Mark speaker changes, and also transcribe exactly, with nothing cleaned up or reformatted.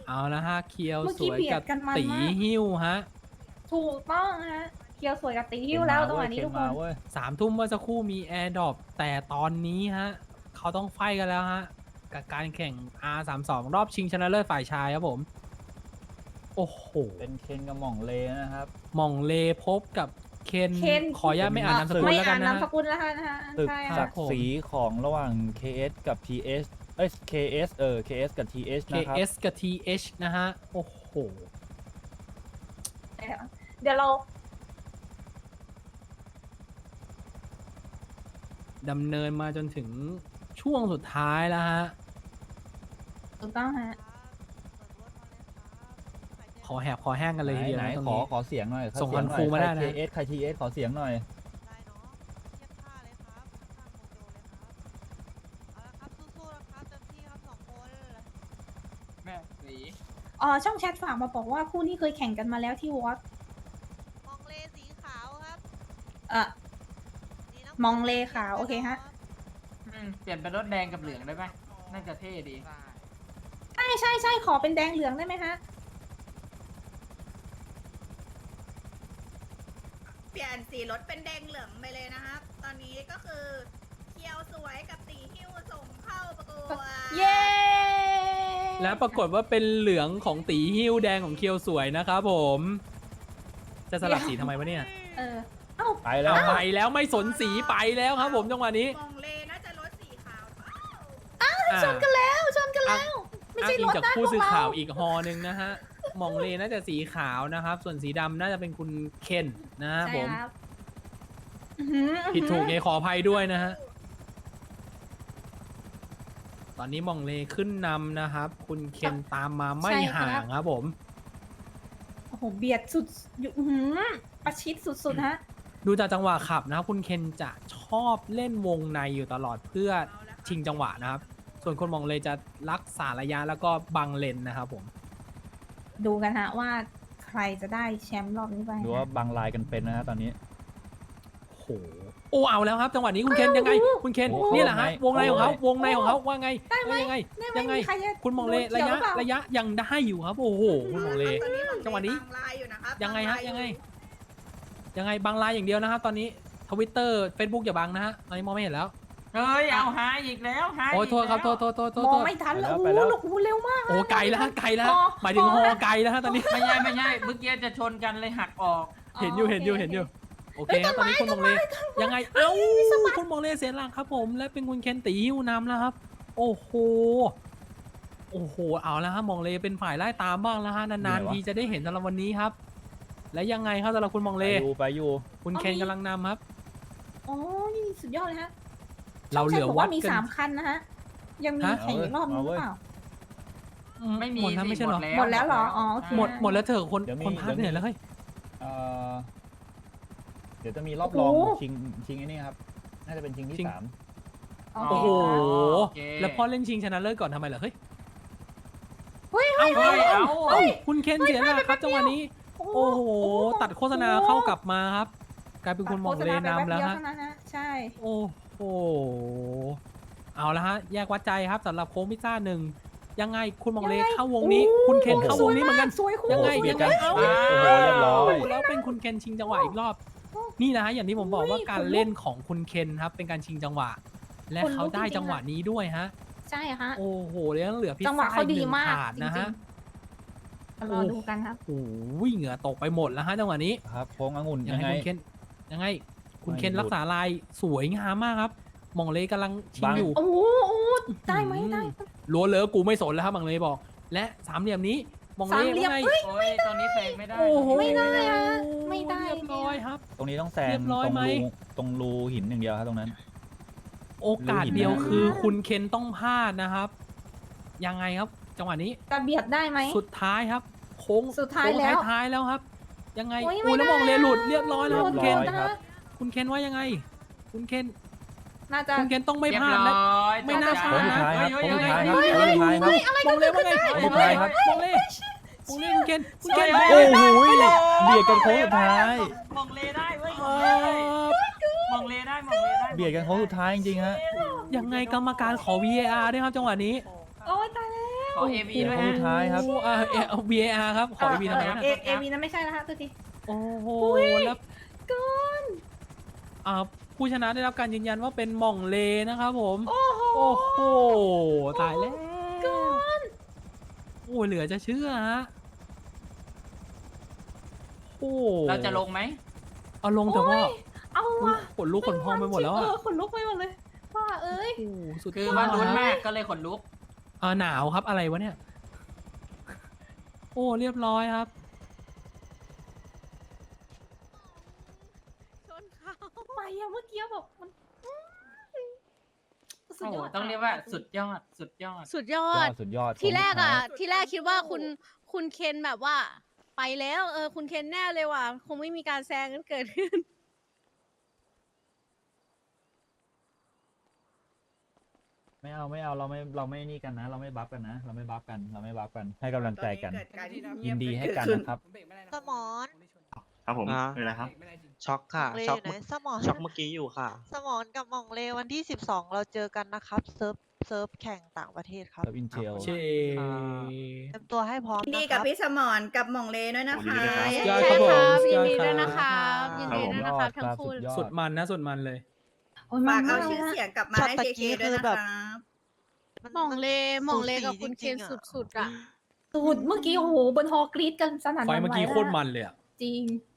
Speaker 1: เอาละฮะเคียว
Speaker 2: เมื่อ
Speaker 1: ส
Speaker 2: กี้
Speaker 1: วย
Speaker 2: เบีย
Speaker 1: กั
Speaker 2: ด
Speaker 1: บ
Speaker 2: กันมัน
Speaker 1: ตี
Speaker 2: มาก
Speaker 1: หิ้วฮะ
Speaker 2: ถูกต้องฮะเคียวสวยกับตีหิ้วแล้วจังหวะนี้ทุกคน
Speaker 1: สามทุ่มเมื่อสักครู่มีแอร์ดรอปแต่ตอนนี้ฮะเขาต้องไฟกันแล้วฮะกับการแข่ง อาร์ สามสิบสอง รอบชิงชนะเลิศฝ่ายชายครับผม โอ้โห
Speaker 3: เป็นเคนกับหม่องเลนะครับ
Speaker 1: หม่องเลพบกับเคน
Speaker 2: เคน
Speaker 1: ขออนุญาตไม่อ่านนามสกุล
Speaker 2: ไม่
Speaker 1: แล้วกั
Speaker 2: อ่าน น
Speaker 1: นะ
Speaker 2: นาม
Speaker 1: ฮะ
Speaker 2: สกุลแล้วนะฮะ
Speaker 3: ตึก
Speaker 2: ใช่
Speaker 3: ศั
Speaker 2: ค่ะ
Speaker 3: กดิ์ศรีของระหว่าง เค เอส กับ ที เอส เอ้ย เค เอส เออ เค เอส กับ ที เอส นะครับ
Speaker 1: เค เอส กับ ที เอช นะฮะ โอ้โห
Speaker 2: เดี๋ยวเรา
Speaker 1: ดำเนินมาจนถึงช่วงสุดท้ายแล้วฮะ
Speaker 2: ถูกต้องฮะ
Speaker 1: ขอแหบขอแห้งกันเลยทีเดียว
Speaker 3: ไหน
Speaker 1: นะตรง
Speaker 3: ขอ
Speaker 1: นี้
Speaker 3: ขอเสียงหน่อย
Speaker 1: ส่งคอนฟูมาได้นะ
Speaker 3: ใคร เค เอส ใคร ที เอส ขอเสียงหน่อย
Speaker 4: ได้เนาะเทียบท่าเลยครับข้างโมโดเลยครับเอาละครับสู้ๆนะครับเต็มที่ครับสองคน
Speaker 5: แม่สี
Speaker 2: อ๋อช่องแชทฝากมาบอกว่าคู่นี้เคยแข่งกันมาแล้วที่วอต
Speaker 4: มองเลสีขาวครับ
Speaker 2: เอ่อ
Speaker 4: นี่นะ
Speaker 2: มองเลขาวโอเคฮะ
Speaker 5: อืมเปลี่ยนเป็นรถแดงกับเหลืองได้ไหมน่าจะเท่ดี
Speaker 2: ใช่ใช่ใช่ขอเป็นแดงเหลืองได้ไหมฮะ
Speaker 6: เปลี่ยนสีรถเป็นแดงเหลืองไปเลยนะครับ ตอนนี้ก็คือเคียวสวยกับตีหิ้วส่งเข้าประกวด
Speaker 2: เย้
Speaker 1: และปรากฏว่าเป็นเหลืองของตีหิ้วแดงของเคียวสวยนะครับผม จะสลับสีทำไมวะเนี่ย
Speaker 2: เออเอ้า
Speaker 3: ไปแล้ว
Speaker 1: เอา
Speaker 3: ค
Speaker 1: ไป
Speaker 3: รับ
Speaker 1: แล้วไม่สนสีไปแล้วครับผมจังหวะนี้
Speaker 6: มองเลน่าจะรถสีขาว
Speaker 1: อ่า
Speaker 2: ชนกันแล้วชนกันแล้ว ไม่
Speaker 1: อ้าง
Speaker 2: ใช่
Speaker 1: อิ
Speaker 2: รง ถ
Speaker 1: จาก
Speaker 2: นะพ
Speaker 1: ผู้
Speaker 2: วก
Speaker 1: สื่อ
Speaker 2: เรา
Speaker 1: ข่าวอีกฮอหนึ่งนะฮะมองเลน่าจะสีขาวนะครับ ส่วนสีดำน่าจะเป็นคุณเคนนะครับ
Speaker 2: ใช่
Speaker 1: ผม
Speaker 2: ครับอื้อหือ
Speaker 1: ผิดถูกไงขออภัยด้วยนะฮะ ตอนนี้มองเลขึ้นนำนะครับ คุณเคนตามมาไม่ห่างครับผม
Speaker 2: โอ้โหเบียดสุดอยู่อื้อหือประชิดสุดๆฮะ
Speaker 1: ดูจากจังหวะขับนะครับคุณเคนจะชอบเล่นวงในอยู่ตลอดเพื่อชิงจังหวะนะครับ ส่วนคนมองเลจะรักษาระยะแล้วก็บังเลนนะครับผม
Speaker 2: ดูกันฮะว่าใครจะได้แชมป์รอบนี้ไป
Speaker 3: ดูว่าบางลายกันเป็นนะฮะตอนนี้
Speaker 1: โอ้โหโอ้เอาแล้วครับ จังหวะนี้คุณเคนยังไง คุณเคน
Speaker 3: โอ้โห
Speaker 1: นี่แหละฮะวงในของเขาวงในของเขาว่าไง
Speaker 2: ได้ไหม
Speaker 1: ว่ายังไง
Speaker 2: ได้ไหม
Speaker 1: ยังไง
Speaker 2: มีใครจะ
Speaker 1: คุณมองเล
Speaker 2: โดน
Speaker 1: ระ
Speaker 2: กี่วย
Speaker 1: ะ
Speaker 2: หอเปล่า
Speaker 1: ระยะยังได้อยู่ครับ โอ้โหคุณมองเล
Speaker 6: ตอนนี้มองเล
Speaker 1: จังหวะนี้
Speaker 6: บางลายอยู่นะครับ
Speaker 1: ยังไงฮะ
Speaker 6: บาลา
Speaker 1: ยังไง ยังไงบางไลน์อย่างเดียวนะครับ ตอนนี้ทวิตเตอร์เฟซบุ๊กอย่าบังนะฮะตอนนี้มองไม่เห็นแล้ว
Speaker 5: เฮ้ย เอาหาอีกแล้วหา
Speaker 1: โอ้ย
Speaker 5: ก
Speaker 1: โทษครับโท
Speaker 5: แล้ว
Speaker 1: ษโทษโทษโทษ
Speaker 2: ม
Speaker 1: โท
Speaker 2: อง
Speaker 1: ษ
Speaker 2: ไม่ทันแล้ว
Speaker 3: ไป
Speaker 2: โอ้
Speaker 3: แล้ว
Speaker 2: โหลูกหูเร็วมาก
Speaker 1: โอ้ไกลแล้วฮะไกลแล้วฮะ
Speaker 2: พอ
Speaker 1: หมายถึง
Speaker 2: พอ
Speaker 1: ฮอไกลแล้วฮะตอนนี้
Speaker 5: ไม่ใช่ไม่ใช่เมื่อกี้จะชนกันเลยหักออก
Speaker 1: เห็นอยู่เห็นอยู่เห็นอยู่โอเคครับตอนนี้คุณมองเลยังไงเอ้าคุณมองเลเสียหลักครับผม และเป็นคุณเคนตีหิ้วนำแล้วครับ โอ้โหโอ้โหเอาแล้วฮะมองเลเป็นฝ่ายไล่ตามบ้างแล้วฮะนานๆทีจะได้เห็นสำหรับวันนี้ครับ และยังไงครับสำหรับคุณมอง
Speaker 3: ไป
Speaker 1: เล
Speaker 3: อยู่ไปอยู่
Speaker 1: คุณเคนกำลังนำครับ
Speaker 2: โอ้ยสุดยอดเลยฮะ
Speaker 1: เราเหลือ
Speaker 2: ช่งแชทบก
Speaker 1: วั
Speaker 2: ว่า
Speaker 1: ด
Speaker 2: มี
Speaker 1: กัน
Speaker 2: สามคันนะฮะ ยังมี
Speaker 1: ฮะ
Speaker 2: แข่งอีกรอบนึงหรือเปล่า
Speaker 5: ไม่มี
Speaker 1: หมดแล้ว
Speaker 5: สิ
Speaker 1: ไม่ใช่เหรอ
Speaker 2: หมดแล้วเหรออ๋อโอเค
Speaker 1: หมดหมดแล้วเถอะคน
Speaker 3: เดี๋ยวมี
Speaker 1: คนพาดเหนื่อยแล้วเฮ้ย
Speaker 3: เอ่อเดี๋ยวจะมีรอบรองชิงชิงไอ้นี่ครับ น่าจะเป็นชิงที่สาม
Speaker 2: โอ
Speaker 1: โอ้
Speaker 2: เค
Speaker 1: โห
Speaker 2: ครับ
Speaker 5: โอเค
Speaker 1: แล้วพอเล่นชิงชนะเลิศก่อนทำไมเหรอเฮ้ย
Speaker 2: เฮ้ย
Speaker 1: เอ้า
Speaker 5: เฮ้ย เอา
Speaker 1: เอ้าคุณเคนเสียหลักครับจังหวะนี้ โอ้โห ตัดโฆษณาเข้ากลับมาครับ กลายเป็นคุณมองเลนำแล้ว
Speaker 2: ตัดโฆษณาไปป๊บดีย
Speaker 1: ฮะ
Speaker 2: เท่านั้นฮะใช่
Speaker 1: โอ้โห เอาละฮะ แยกวัดใจครับสำหรับโค้งพิซซ่าหนึ่งยังไงคุณมองเลเข้าวงนี้ คุณเคนเข้าวงนี้เหมือนกัน
Speaker 2: สวยคู่
Speaker 1: ยังไง
Speaker 3: โอ้โหเบีย
Speaker 1: ยั
Speaker 3: ด
Speaker 1: ง
Speaker 3: กั
Speaker 1: ไง
Speaker 3: น
Speaker 1: เอ้า
Speaker 3: โอ้โหเรียบร้อย
Speaker 1: แล้วเป็นคุณเคนชิงจังหวะอีกรอบ นี่นะฮะอย่างที่ผมบอกว่าการเล่นของคุณเคนครับเป็นการชิงจังหวะ และเขาได้จังหวะนี้ด้วยฮะ
Speaker 2: ใช่ฮะ
Speaker 1: โอ้โหแล้วเหลือพิซ
Speaker 2: จังหวะ
Speaker 1: ซ่า
Speaker 2: เขา
Speaker 1: อีก
Speaker 2: ดี
Speaker 1: หนึ่ง
Speaker 2: มาก
Speaker 1: ถาดนะฮะ
Speaker 2: จริง รอดูกันครับ
Speaker 1: โอ้โหเหงื่อตกไปหมดแล้วฮะจังหวะนี้
Speaker 3: ครับโค้งองุ่น
Speaker 1: ยั
Speaker 3: ยัง ง
Speaker 1: ไง
Speaker 3: ไง
Speaker 1: คุณเคนยังไง คุณเคน
Speaker 3: ไม่หลุด
Speaker 1: รักษาลายสวยงามมากครับมองเลกำลังชิง
Speaker 3: บัง
Speaker 1: อยู่
Speaker 2: โอ้โหโอ้โหได้ไหมได้
Speaker 1: ลัวเลอกูไม่สนแล้วครับมองเลบอก และสามเหลี่ยมนี้มองเล
Speaker 2: สามเหลี่ยม
Speaker 1: ว่าไง
Speaker 2: เอ้ย
Speaker 5: โอ้ยตอนนี้เฟกไม่ได้
Speaker 1: โอ้โห
Speaker 2: ไม่ได้อะไม่ได้
Speaker 1: เรียบร้อยครับ
Speaker 3: ตรงนี้ต้องแซ
Speaker 1: เรี
Speaker 3: ง
Speaker 1: ยบร้อย
Speaker 3: ตรง
Speaker 1: ไหม
Speaker 3: รูตรงรูหินอย่างเดียวครับตรงนั้น
Speaker 1: โอกาสเดียวคือคุณเคนต้องพลาดนะครับ ยังไงครับ จังหวะนี้
Speaker 2: จะเบียดได้ไหม
Speaker 1: สุดท้ายครับ โค้ง
Speaker 2: สุดท้าย
Speaker 1: โค้ง
Speaker 2: แล้ว
Speaker 1: ท้ายๆแล้วครับ ยังไง
Speaker 2: โอ้ย
Speaker 1: อุ้ย
Speaker 2: ไม่
Speaker 1: แล้ว
Speaker 2: ได้
Speaker 1: มองเลหลุดเรียบร้อยแล้ว
Speaker 3: เรี
Speaker 1: คุ
Speaker 3: ย
Speaker 1: ณ
Speaker 3: บ
Speaker 1: เคน
Speaker 3: ร้อยครับ
Speaker 1: คุณเคนว่ายังไง คุณเคน
Speaker 2: น่าจะ
Speaker 1: คุณเคนต้องไม่
Speaker 5: เรีย
Speaker 1: พ
Speaker 5: บ
Speaker 1: ลาด
Speaker 5: ร้
Speaker 1: นะ
Speaker 5: อย
Speaker 1: ไม่น่า
Speaker 5: ตกใจ
Speaker 1: ช้
Speaker 3: โค้งสุดท้ายครับ
Speaker 5: เฮ้
Speaker 3: โค้ง
Speaker 5: เฮ้
Speaker 3: สุด
Speaker 5: เฮ้
Speaker 3: ท้ายครับโค้งสุดท้ายครับ
Speaker 1: มองเลว่าไง
Speaker 3: โค้งสุดท้ายครับ
Speaker 1: มองเลมองเลคุณเคนคุณเคน
Speaker 5: เฮ้ย
Speaker 3: โอ้โหเบียดกันโค้งสุดท้าย
Speaker 5: มองเลได้เว้ย
Speaker 1: เอ
Speaker 5: มองเลได้มองเลได้
Speaker 3: เบียดกันโค้งสุดท้ายจริงๆฮะ
Speaker 1: อยังไงกรรมการขอ วี เอ อาร์ ด้วยครับจังหวะนี้
Speaker 2: โอ้ยตายแล้ว
Speaker 5: ขอเอวีด้วย
Speaker 3: ครั้ง
Speaker 5: ฮะ
Speaker 3: สุดท้ายครับ
Speaker 1: โอ้อ่าเอเอา วี เอ อาร์ ครับ ขอ วี ทำไมวะ
Speaker 2: เอ
Speaker 1: เนี่ย
Speaker 2: เอวีนั้นไม่ใช่นะคะตัวที
Speaker 1: โอ้โห แล้ว
Speaker 2: เกิน
Speaker 1: อ่าผู้ชนะได้รับการยืนยันว่าเป็นหม่องเลนะครับผม
Speaker 2: โอ้โห
Speaker 1: โอ้โห ตายแล้วโอ้เหลือจะเชื่อฮะโอ้
Speaker 5: เราจะลงไหม
Speaker 1: เอาลงเถอะพ่อ
Speaker 2: เอา
Speaker 1: อุ๊ย
Speaker 2: ว่ะ
Speaker 1: ขนลุกขนพองไปหมดแล้วอะ
Speaker 2: เออขนลุกไปหมดเลยว่าเอ้ย
Speaker 1: โอ้โหสุด
Speaker 5: คือย
Speaker 1: ด
Speaker 5: ว่าลุ้น
Speaker 1: ฮะ
Speaker 5: มากก็เลยขนลุก
Speaker 1: เออหนาวครับอะไรวะเนี่ย โอ้เรียบร้อยครับ
Speaker 4: ชนเขา
Speaker 2: ไปอะเมื่อกี้แบบมันสุด
Speaker 5: โอ้โห
Speaker 2: ยอด
Speaker 5: ต้องเรียกว่าสุดยอด สุดยอด
Speaker 7: สุดยอย
Speaker 3: อ
Speaker 7: ด
Speaker 3: ดสุดยอด
Speaker 7: ทีแรกอ่ะ
Speaker 3: ของสุดท้าย
Speaker 7: ทีแรกคิดว่าคุณคุณเคนแบบว่า ไปแล้วเออคุณเคนแน่เลยว่ะคงไม่มีการแซงกันเกิดขึ้น
Speaker 3: ไม่เอาไม่เอาเราไม่เราไม่นี่กันนะ เราไม่บัฟกันนะ เราไม่บัฟกันเราไม่บัฟกันให้กำลังใจกัน
Speaker 6: ตอเกิดการ
Speaker 3: ยินดีให้กันนะครับ
Speaker 4: สมอน
Speaker 8: ครับผม
Speaker 9: อ่า
Speaker 8: เป็นไรครับ
Speaker 9: ช็อกค่ะ
Speaker 4: เล
Speaker 9: ช็อก
Speaker 4: อยู่ไหน
Speaker 9: เมื่อ
Speaker 4: สมอน
Speaker 9: ช็อกเมื่อกี้อยู่ค่ะ
Speaker 4: สมอนกับหมองเลวันที่สิบสองเราเจอกันนะครับ เซิร์ฟเซิร์ฟแข่งต่างประเทศครับ
Speaker 3: เซิร์ฟอินเทล
Speaker 1: เช
Speaker 4: เตรียมตัวให้พร้อม
Speaker 6: ยินดี
Speaker 4: นะค
Speaker 6: กับ
Speaker 4: รับ
Speaker 6: พี่สมอนกับหม่องเลด้วยนะคะ
Speaker 8: ยินดีด้วยครับ
Speaker 1: ยอด
Speaker 7: ใช่
Speaker 1: ครับผม
Speaker 7: ครับ
Speaker 1: สุด
Speaker 7: ยิ
Speaker 1: ย
Speaker 7: น
Speaker 1: อด
Speaker 7: ดี
Speaker 1: ค
Speaker 7: ด้วย
Speaker 1: รับ
Speaker 7: นะครับยินดีด้วยนะครับทั้งคู่
Speaker 3: สุดยอด
Speaker 1: สุดมันนะสุดมันเลย
Speaker 2: โอ้ย
Speaker 6: ฝาก
Speaker 2: มัน
Speaker 6: เอา
Speaker 2: มาก
Speaker 6: ชื่อ
Speaker 2: นะ
Speaker 6: เสียงกลับมา
Speaker 4: ช็อต
Speaker 6: ให้
Speaker 4: ตะ
Speaker 6: เค
Speaker 4: กี้
Speaker 6: เคด้วย
Speaker 4: คือ
Speaker 6: นะ
Speaker 4: แบ
Speaker 6: ค
Speaker 4: บ
Speaker 6: รับ
Speaker 7: หม่องเลหม่องเลกับคุณเคน
Speaker 4: สูสี
Speaker 7: สุดๆอ่ะ
Speaker 2: สุดเมื่อกี้โอ้โหบนฮอกรีดกันสนั่นห
Speaker 1: ไฟ
Speaker 2: วั่นไหว
Speaker 1: เมื่อกี้โคตร
Speaker 2: แล้ว
Speaker 1: มันเลยอะ
Speaker 2: จริง